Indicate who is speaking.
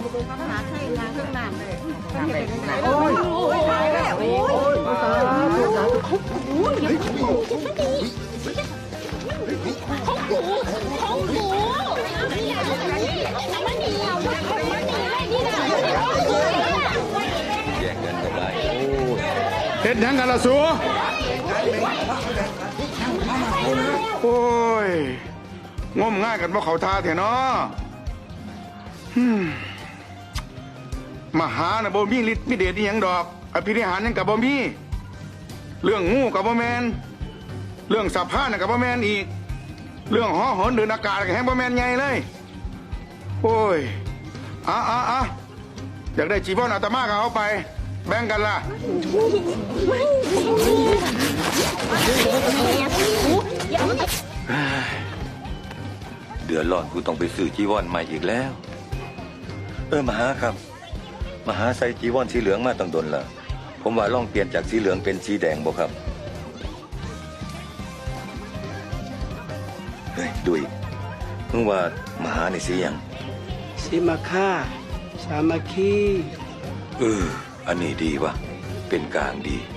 Speaker 1: หาใช่ยางเครื่องน้ำเลยโอ้ยตายแล้วโอ้ยตาย
Speaker 2: ของกูมันหนีเอามันหนีได้นี่นะ
Speaker 3: แย่งกันก็ได้
Speaker 4: เฮ็ดหยังกันล่ะสัวโอ้ยงมง่ายกันบ่เขาท่าแท้เนาะมหาน่ะบ่มีฤทธิ์มีเดชอีหยังดอกอภินิหารหยังก็บ่มีเรื่องงูก็บ่แม่นเรื่องสัพพะน่ะก็บ่แม่นอีกเรื่องหอหนเดินอากาศก็แฮงบ่แม่นใหญ่เลยโอ้ยอยากได้จีวรอาตมาก็เอาไปแบ่งกันล่ะ
Speaker 3: เดือดร้อนกูต้องไปซื้อจีวรใหม่อีกแล้วมหาครับมหาใส่จีวรสีเหลืองมาตั้งดนละผมว่าลองเปลี่ยนจากสีเหลืองเป็นสีแดงบ่ครับเฮ้ยดุยมึงว่ามหาในสียัง
Speaker 5: สีมาค่าสามัคคี
Speaker 3: อันนี้ดีวะเป็นกลางดี